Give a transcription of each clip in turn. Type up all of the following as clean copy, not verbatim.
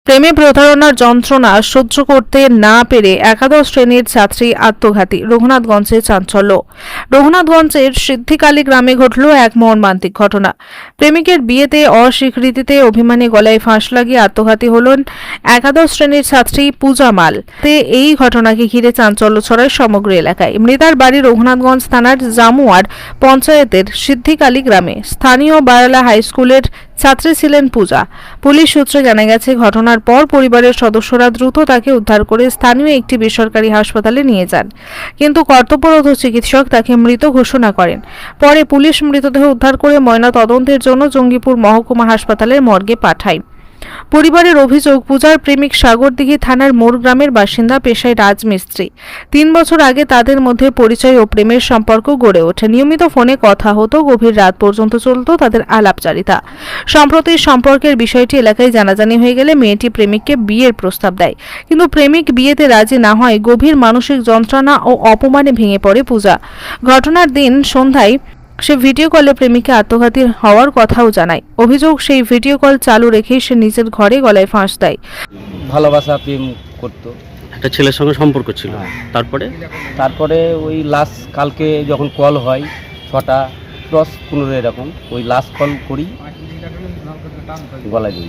প্রেমে প্রতারণার যন্ত্রণা সহ্য করতে না পেরে একাদশ শ্রেণীর ছাত্রী আত্মঘাতী। রঘুনাথগঞ্জে চাঞ্চল্য। রঘুনাথগঞ্জের সিদ্ধিকালী গ্রামে ঘটল এক মর্মান্তিক ঘটনা। প্রেমিকের বিয়েতে অস্বীকৃতিতে অভিমানী গলায় ফাঁস লাগিয়ে আত্মঘাতী হলেন একাদশ শ্রেণীর ছাত্রী পূজা মাল। এই ঘটনাকে ঘিরে চাঞ্চল্য ছড়ায় সমগ্র এলাকায়। মৃতার বাড়ি রঘুনাথগঞ্জ থানার জামুয়ার পঞ্চায়েতের সিদ্ধিকালী গ্রামে। স্থানীয় বারালা হাই স্কুলের ছাত্রী ছিলেন পূজা। পুলিশ সূত্রে জানা গেছে, ঘটনার পর পরিবারের সদস্যরা দ্রুত তাকে উদ্ধার করে স্থানীয় একটি বেসরকারি হাসপাতালে নিয়ে যান, কিন্তু কর্তব্যরত চিকিৎসক তাকে মৃত ঘোষণা করেন। পরে পুলিশ মৃতদেহ উদ্ধার করে ময়না তদন্তের জন্য জঙ্গিপুর মহকুমা হাসপাতালের মর্গে পাঠায়। পরিবারের অভিযোগ, পূজার প্রেমিক সাগরদিঘি থানার মোড় গ্রামের বাসিন্দা, পেশায় রাজমিস্ত্রি। 3 বছর আগে তাদের মধ্যে পরিচয় ও প্রেমের সম্পর্ক গড়ে ওঠে। নিয়মিত ফোনে কথা হতো, গভীর রাত পর্যন্ত চলত তাদের আলাপচারিতা। সম্প্রতি সম্পর্কের বিষয়টি এলাকায় জানাজানি হয়ে গেলে মেয়েটি প্রেমিককে বিয়ের প্রস্তাব দেয়, কিন্তু প্রেমিক বিয়েতে রাজি না হয় গভীর মানসিক যন্ত্রণা ও অপমানে ভেঙে পড়ে পূজা। ঘটনার দিন সন্ধ্যায় সে ভিডিও কলে প্রেমিকে আত্মঘাতী হওয়ার কথাও জানায়। অভিযোগ, সেই ভিডিও কল চালু রেখেই সে নিজের ঘরে গলায় ফাঁস দেয়। ভালোবাসা প্রেম করতো, একটা ছেলের সঙ্গে সম্পর্ক ছিল। তারপরে ওই লাস্ট কালকে যখন কল হয় 6টা 10-15 এরকম, ওই লাস্ট কল করি গলায় দিয়ে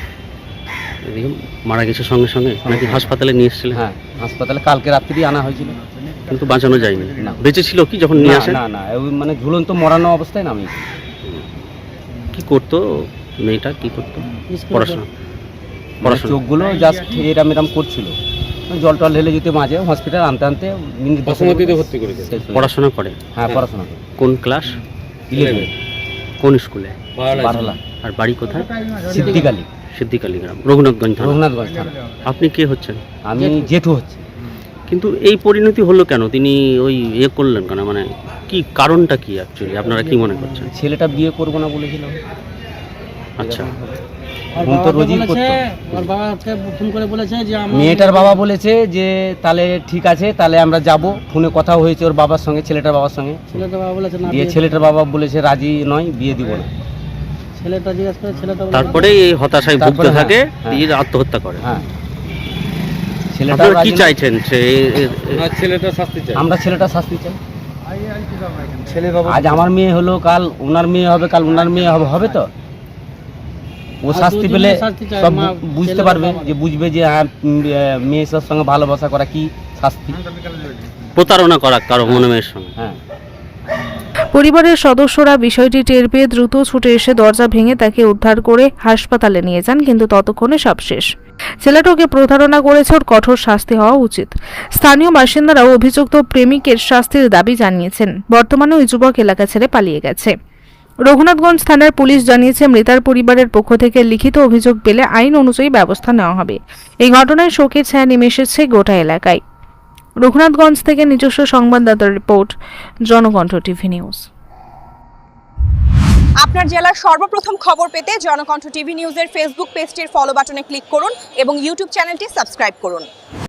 দিই। মারা গেছে সঙ্গে সঙ্গে নাকি হাসপাতালে নিয়ে এসেছিলেন? হ্যাঁ, হাসপাতালে কালকে রাত্রি আনা হয়েছিল, কিন্তু বাঁচানো যায়নি। না। বেঁচে ছিল কি যখন নিয়ে আসেন? না, ওই মানে ঝুলন্ত মরানো অবস্থায় নামিয়েছি। কি করতো মেয়েটা? কি করতো? পড়াশোনা চোখগুলো জাস্ট এরাম এরাম করছিল, জল টল ঢেলে যেতে মাঝে হসপিটাল আনতে ভর্তি করেছে। পড়াশোনা করে? হ্যাঁ, পড়াশোনা করে। কোন ক্লাস? 11। কোন স্কুলে? বারালা। আর বাড়ি কোথায়? সিদ্ধিকালী গ্রাম, রঘুনাথগঞ্জ থানা। আপনি কে হচ্ছেন? আমি জেঠু হচ্ছে। কিন্তু এই পরিণতি হলো কেন? তিনি ওই করলেন কেন? মানে কি কারণটা কি অ্যাকচুয়ালি আপনারা কি মনে করছেন? ছেলেটা বিয়ে করবো না বলেছিল। আচ্ছা, মেয়েটার বাবা বলেছে যে তাহলে ঠিক আছে, তাহলে আমরা যাব। ফোনে কথা হয়েছে ওর বাবার সঙ্গে, ছেলেটার বাবার সঙ্গে। ছেলেটার বাবা বলেছে রাজি নয়, বিয়ে দিব না। তারপরে এই হতাশায় ভুগতে থাকে, আত্মহত্যা করে। হ্যাঁ, আপনারা কি চাইছেন? আমরা ছেলেটা শাস্তি চাই। আজ আমার মেয়ে হলো, কাল ওনার মেয়ে হবে, কাল ওনার মেয়ে হবে তো ও শাস্তি পেলে সব বুঝতে পারবে, যে বুঝবে যে হ্যাঁ মেয়ের সঙ্গে ভালোবাসা করা কি শাস্তি, প্রতারণা করা কারো মনে মেয়ের সঙ্গে। হ্যাঁ। পরিবারের সদস্যরা বিষয়টি টের পেয়ে দ্রুত ছুটে এসে দরজা ভেঙে তাকে উদ্ধার করে হাসপাতালে নিয়ে যান, কিন্তু ততক্ষণে সব শেষ। ছেলেটাকে প্রতারণা করেছে, ওর কঠোর শাস্তি হওয়া উচিত। স্থানীয় বাসিন্দারাও অভিযুক্ত প্রেমিকের শাস্তির দাবি জানিয়েছেন। বর্তমানে ওই যুবক এলাকা ছেড়ে পালিয়ে গেছে। রঘুনাথগঞ্জ থানার পুলিশ জানিয়েছে, মৃতার পরিবারের পক্ষ থেকে লিখিত অভিযোগ পেলে আইন অনুযায়ী ব্যবস্থা নেওয়া হবে। এই ঘটনায় শোকের ছায়া নেমে এসেছে গোটা এলাকায়। রঘুনাথগঞ্জ থেকে নিজস্ব সংবাদদাতার রিপোর্ট, জনকণ্ঠ টিভি নিউজ। আপনার জেলার সর্বপ্রথম খবর পেতে জনকণ্ঠ টিভি নিউজের ফেসবুক পেজটির ফলো বাটনে ক্লিক করুন এবং ইউটিউব চ্যানেলটি সাবস্ক্রাইব করুন।